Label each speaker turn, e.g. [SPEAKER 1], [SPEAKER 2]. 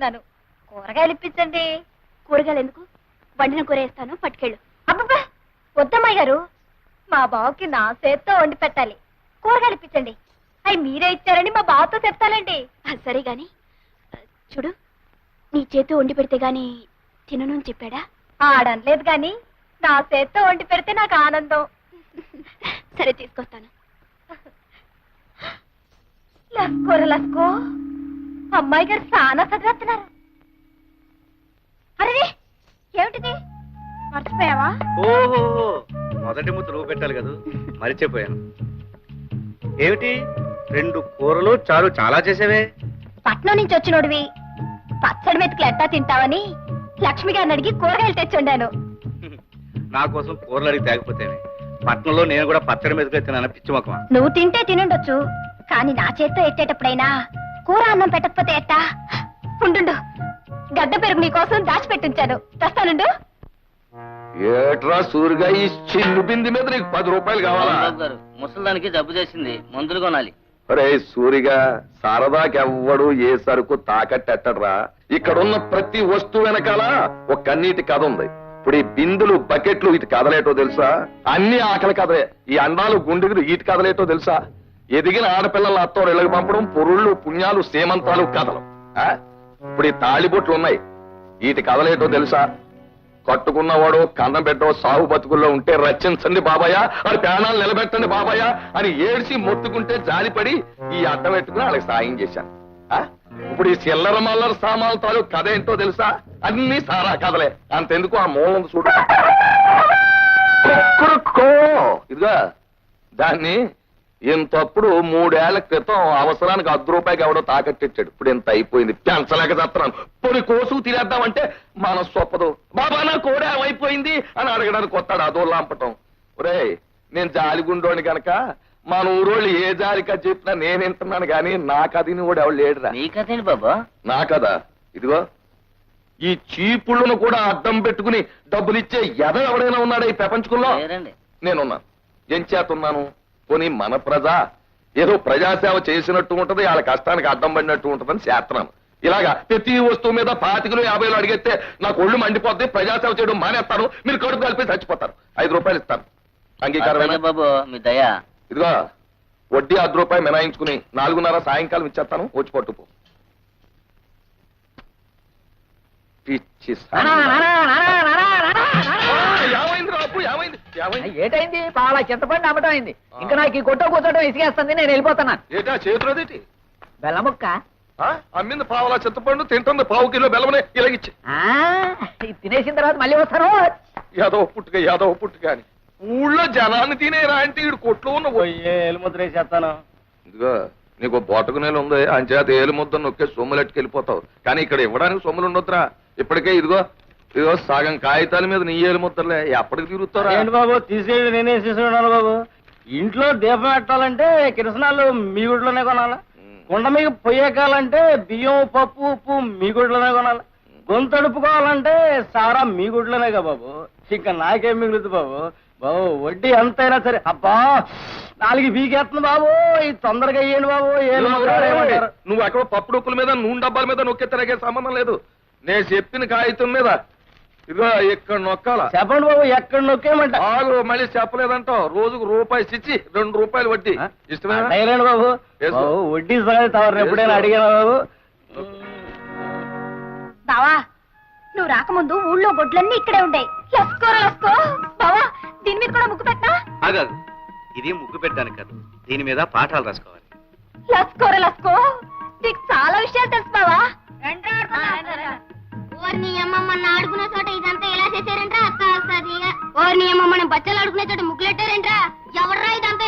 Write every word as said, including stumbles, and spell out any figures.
[SPEAKER 1] తెచ్చుకున్నాను. కూరగాయలు ఇప్పించండి.
[SPEAKER 2] కూరగాయలు ఎందుకు? వండిన కూర వేస్తాను, పట్టుకెళ్ళు.
[SPEAKER 1] అబ్బబ్బా వద్దమ్మాయి గారు, మా బావకి నా చేత్తో వండి పెట్టాలి. కూరగాయలు ఇప్పించండి. అవి మీరే ఇచ్చారని మా బావతో చెప్తానండి.
[SPEAKER 2] సరే గాని చూడు, నీ చేతితో వండి పెడితే గాని తినను అని చెప్పాడా?
[SPEAKER 1] ఆడనలేదు గాని నా చేత్తో వండి పెడితే నాకు ఆనందం.
[SPEAKER 2] సరే తీసుకొస్తాను.
[SPEAKER 1] లస్కోర లస్కో, అమ్మాయి గారు చాలా చదివేస్తున్నారు. అరే ఏమిటిది, మర్చిపోయావా?
[SPEAKER 3] ఓహో, మొదటి ముద్ద నువ్వు పెట్టాలి కదా, మరిచిపోయాను. ఏమిటి రెండు కూరలు చాలు చాలా చేసేవే?
[SPEAKER 1] పట్నం నుంచి వచ్చినోడివి పచ్చడి మెతుకులు ఎట్టా తింటావని లక్ష్మి గారిని అడిగి కూరగాయలు తెచ్చుండాను.
[SPEAKER 3] నా కోసం కూరలు అడిగి తేకపోతేనే. పట్నంలో నేను కూడా పచ్చడి మెతుకులు తిన్నాను, పిచ్చి మొక్కమా.
[SPEAKER 1] నువ్వు తింటే తినుండొచ్చు, కానీ నా చేత్తో ఎట్టేటప్పుడైనా కూర అన్నం పెట్టకపోతే ఎట్టా? ఉండు, గడ్డ పెరుగు నీకోసం దాచిపెట్టించాను, తెస్తానుండు.
[SPEAKER 4] ఏట్రా సూరిగా ఈ చిన్ను బింది మీద నీకు పది రూపాయలు కావాలా?
[SPEAKER 5] ముసలానికి జబ్బు చేసింది, మందులు కొనాలి.
[SPEAKER 4] అరే సూరిగా, సరదాకెవ్వడు ఏ సరుకు తాకట్టెట్టడ్రా. ఇక్కడున్న ప్రతి వస్తువు వెనకాల ఒక కన్నీటి కథ ఉంది. ఇప్పుడు ఈ బిందులు, బకెట్లు ఇటు కదలేటో తెలుసా? అన్ని ఆకలి కథలే. ఈ అండాలు, గుండెలు ఇటు కదలేటో తెలుసా? ఎదిగిన ఆడపిల్లల అత్తో ఇళ్ళకి పంపడం, పొరుళ్ళు, పుణ్యాలు, సేమంతాలు కథలు. ఇప్పుడు ఈ తాళిబొట్లు ఉన్నాయి, వీటి కదలేటో తెలుసా? కట్టుకున్నవాడు కన్నం పెట్టో సాగు బతుకుల్లో ఉంటే రచించండి బాబాయ్, అది ప్రాణాలు నిలబెట్టండి బాబాయ్ అని ఏడ్చి మొత్తుకుంటే జాలిపడి ఈ అడ్డం పెట్టుకుని వాళ్ళకి సాయం చేశాను. ఇప్పుడు ఈ చిల్లర మల్లర సామాన్ల తాలూకు కథ ఏంటో తెలుసా? అన్ని సారా కథలే. అంతెందుకు ఆ మూలం చూడ ఇదిగా, దాన్ని ఇంతప్పుడు మూడేళ్ల క్రితం అవసరానికి అర్ధ రూపాయికి ఎవడో తాకట్టిచ్చాడు. ఇప్పుడు ఇంత అయిపోయింది, పెంచలేక చేస్తున్నాను. పొడి కోసు తినేద్దామంటే మనసు ఒప్పదు. బాబా నా కోడే అయిపోయింది అని అడగడానికి వస్తాడు, అదో లాంపటం. ఒరే నేను జాలిగుండోని గనక మన ఊరోళ్ళు ఏ జాలికా చెప్పినా నేను వింటున్నాను గాని నా కథని కూడా ఎవడు లేడురా.
[SPEAKER 5] నీ కథేంటి బాబా?
[SPEAKER 4] నా కదా ఇదిగో, ఈ చీపుళ్ళను కూడా అడ్డం పెట్టుకుని డబ్బులు ఇచ్చే ఎద ఎవడైనా ఉన్నాడా ఈ ప్రపంచంలో? నేనున్నాను. ఏం చేతున్నాను? పోనీ మన ప్రజ ఏదో ప్రజాసేవ చేసినట్టు ఉంటది, వాళ్ళ కష్టానికి అడ్డం పడినట్టు ఉంటదని చేస్తున్నాను. ఇలాగా ప్రతి వస్తువు మీద పాతికలు యాభైలు అడిగితే నాకు ఒళ్ళు మండిపోద్ది, ప్రజాసేవ చేయడం మానేస్తాను, మీరు కడుపు కలిపి చచ్చిపోతారు. ఐదు రూపాయలు ఇస్తాను, అంగీకారమేనా
[SPEAKER 5] బాబు? మీ దయా.
[SPEAKER 4] ఇదిగో వడ్డీ అర్ధ రూపాయలు మినాయించుకుని నాలుగున్నర సాయంకాలం ఇచ్చేస్తాను, వచ్చి పట్టుపో. పిచ్చి
[SPEAKER 6] ఏటైంది? పాల చింతపండు అమ్మటం అయింది. ఇంకా నాకు ఈ కొట్ట కూర్చోటం ఇసుకేస్తుంది, నేను వెళ్ళిపోతున్నాను.
[SPEAKER 4] ఏటా చేతులదేటి?
[SPEAKER 6] బెల్లముక్క
[SPEAKER 4] అమ్మింది పావులా చింతపండు, తింటుంది పావు కిలో బెల్లమనే ఇలాగిచ్చి.
[SPEAKER 6] తినేసిన తర్వాత మళ్ళీ వస్తాను.
[SPEAKER 4] యాదవ పుట్టుక యాదవ పుట్టుక అని ఊళ్ళో జనాన్ని తినేరా అంటే ఈడు కొట్లో ఉన్న
[SPEAKER 5] ఎలుముద్ర వేసేస్తాను.
[SPEAKER 4] ఇదిగో నీకు బోటకు నేలు ఉంది, అంచేత ఏలు ముద్ద నొక్కే సొమ్ములెట్టుకు వెళ్ళిపోతావు. కానీ ఇక్కడ ఇవ్వడానికి సొమ్ములు ఉండొద్దురా. ఇప్పటికే ఇదిగో ఇదిగో సగం కాగితాల మీద నీ ఏలు ముద్దలే, ఎప్పటికి తిరుగుతారా?
[SPEAKER 5] ఏంటి బాబు తీసేది? నేనే తీసుకున్నాను బాబు. ఇంట్లో దీపం పెట్టాలంటే కిరసనాలు మీ గుడిలోనే కొనాలి, కుండ మీకు పొయ్యకాలంటే బియ్యం, పప్పు, ఉప్పు మీ గుడిలోనే కొనాలి, గొంతు అడుపుకోవాలంటే సారా మీ గుడిలోనేగా బాబు. ఇంకా నాకేం మిగులుతుంది బాబు? బాబు వడ్డీ ఎంతైనా సరే. అబ్బా నాలుగు బీకేస్తుంది బాబు, ఇది తొందరగా అయ్యండి బాబు.
[SPEAKER 4] నువ్వు అక్కడ పప్పు డొక్కుల మీద, నూనె డబ్బాల మీద నొక్కే తిరగే సంబంధం లేదు. నేను చెప్పిన కాగితం మీద ఇదిగో ఇక్కడ నొక్కాలా.
[SPEAKER 5] చెప్పండి బాబు, ఎక్కడ నొక్కేయమంట?
[SPEAKER 4] ఆగు, మళ్ళీ చెప్పలేదంటావు. రోజుకు రూపాయి ఇచ్చి రెండు రూపాయలు వడ్డీ. ఇష్టమేనా
[SPEAKER 5] బాబు? వడ్డీ తవరు ఎప్పుడైనా అడిగాను బాబు.
[SPEAKER 1] బావా నువ్వు రాకముందు ఊళ్ళో గొడ్లన్నీ ఇక్కడే ఉంటాయి. లస్కోర లస్కో బావా, దీని మీద కూడా ముగ్గు పెట్టా?
[SPEAKER 3] ఆగాదు, ఇది ముగ్గు పెట్టడానికి కాదు, దీని మీద పాఠాలు రాసుకోవాలి.
[SPEAKER 1] లస్కోర లస్కో, నీకు చాలా విషయాలు తెలుసు బావా.
[SPEAKER 2] ఓర్ని అమ్మ మన ఆడుకునే చోట ఇదంతా ఎలా చేశారంట్రా? అక్క వస్తుంది. ఓర్ని అమ్మ మనం బచ్చలు ఆడుకునే చోట ముగ్గులెట్టారంట్రా? ఎవర్రా ఇదంతా